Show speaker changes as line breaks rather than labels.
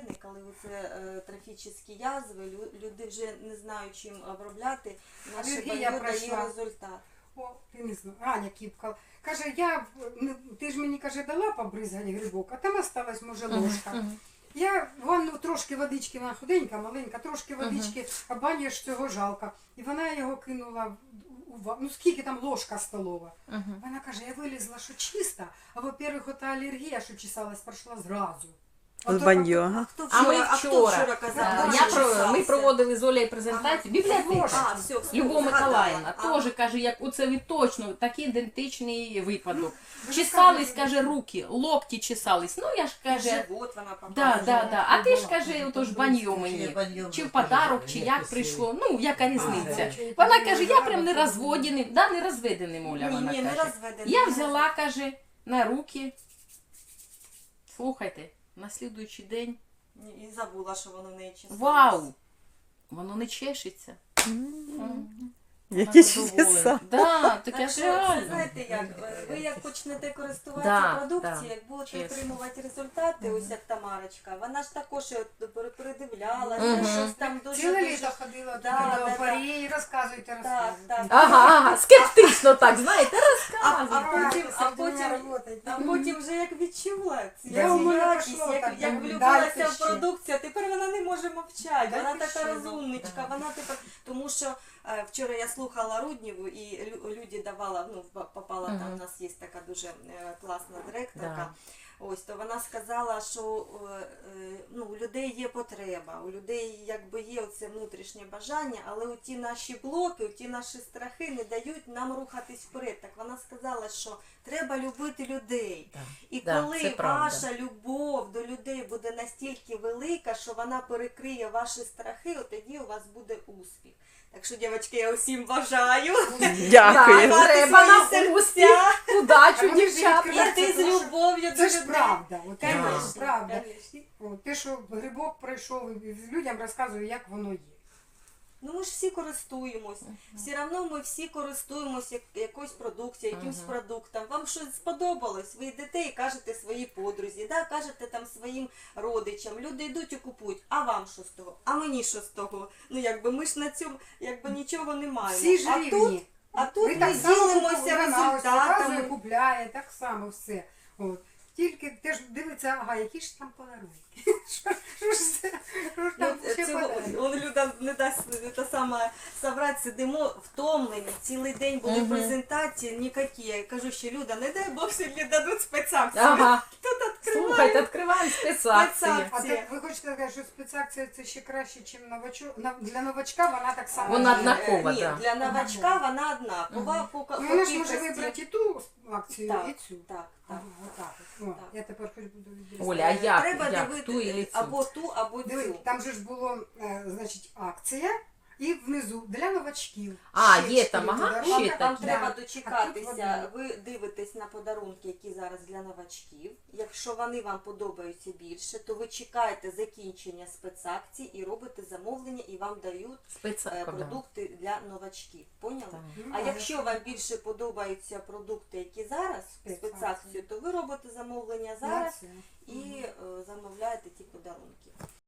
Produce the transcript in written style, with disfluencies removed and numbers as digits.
характерний, коли це трофічні язви, люди вже не знають, чим обробляти, наше
Алергія
баньо дає
пройшла.
результат.
О, ти не знаю, Аня Кіпка. Каже, ти ж мені, каже, дала побризгати грибок, а там осталась, може, ложка. Я ванну трошки водички, вона худенька, маленька, трошки водички, а бані ж цього жалко. І вона його кинула ну скільки там ложка столова. Вона каже, я вилізла, що чиста, а во-первых, ота алергія, що чесалась, пройшла зразу.
От баньо, ага.
А ми
Хто
вчора,
вчора казав?
ми проводили з Олею презентацію, бібліотека.
Все,
Любов Миколаївна
згадала.
теж каже, як оце ви точно, такий ідентичний випадок. Чесались, каже, руки, локті чесались. Ну я ж каже,
Живот вона показує.
да. А ти ж каже, ото ж баньо мені. Чи в подарок, чи як прийшло, ну яка різниця. Вона каже, я прям не розводеним, да, не розведеним, Оля, вона
Ні, не
каже.
розведений.
Я взяла, каже, на руки. Слухайте, на слідуючий день.
І забула, що воно в неї чесалось.
Вау! Воно не чешеться.
Які чудеса.
Да, таке
Так
ж
що,
реально.
знаєте як, ви як почнете користуватися
Да,
продукцією,
да,
як будете
чесно.
отримувати результати, ось як Тамарочка, вона ж також передивлялася,
Мгм.
щось там дуже...
Ціле
дуже...
літо ходила
Да,
до
да,
Парії, розказуйте,
Так, так.
Ага, скептично так, знаєте,
А
розказуй.
потім вже як відчула цю
Я у мене
якість,
пішло так,
як
далі
влюбилася в
ще.
продукцію, а тепер вона не може мовчати,
Далі
вона така
ще,
розумничка,
да.
вона тепер, тому що вчора я слухала Руднєву і Люді давала, ну попала там, у нас є така дуже класна директорка,
Да.
ось, то вона сказала, що ну, у людей є потреба, у людей якби є оце внутрішнє бажання, але у ті наші блоки, у ті наші страхи не дають нам рухатись вперед. Так вона сказала, що треба любити людей.
Да.
І
Да,
коли
це правда.
ваша любов до людей буде настільки велика, що вона перекриє ваші страхи, от тоді у вас буде успіх. Так що, дівчатки, я усім бажаю.
Дякую.
Да, треба нам
свої
успіх,
А
удачу,
вони ж
дівчата.
відкриваються.
Іти з любов'ю до
Це ж
людей.
правда. От це
Конечно,
ж правда.
конечно.
От, те, що грибок пройшов, і людям розказую, як воно є.
Ну ми ж всі користуємось. Все одно ми всі користуємось якоюсь продукцією, якимсь продуктом. Вам щось сподобалось, ви йдете і кажете своїй подрузі, да? Кажете там своїм родичам. Люди йдуть і купують. А вам що з того? А мені що з того? Ну якби ми ж на цьому якби нічого не маємо.
Всі ж
а
рівні.
тут, а тут
Ви
ми
так само
ділимося
купуєте, вона ось показує,
результатами.
купляє, так само все. От. Тільки теж дивиться, ага, які ж там подарунки. Що ж це? Що ж там ще подарунки?
Он Люда не дасть та сама соврать, сидимо втомлені, цілий день були презентації, ніякі. Я кажу, що Люда, не дай Бог, сьогодні дадуть спецакцію.
Ага,
Тут відкриваємо.
слухайте, відкриваємо спецакції.
А так ви хочете сказати, що спецакція це ще краще, ніж новачок? Для новачка вона так само.
Вона
є.
однакова.
Ні,
да.
для новачка вона однакова.
Ну, вона ж може вибрати і ту акцію,
Так,
і цю.
так,
Ага,
так.
отак от. О, я тепер хоч буду відрізати.
Оля, а як?
Треба
Як?
дивитися
Ту і цю?
або ту, або
Диви,
цю.
там же ж було, значить, акція, і внизу для новачків.
А,
Ще
є там,
4
ага,
подарунки.
ще
Вам
такі.
треба
А тут
дочекатися, ви дивитесь на подарунки, які зараз для новачків. Якщо вони вам подобаються більше, то ви чекаєте закінчення спецакцій і робите замовлення, і вам дають
Спецакція.
продукти для новачків. Поняли?
Так.
А якщо вам більше подобаються продукти, які зараз спецакцію, то ви робите замовлення зараз
На цю.
і замовляєте ті подарунки.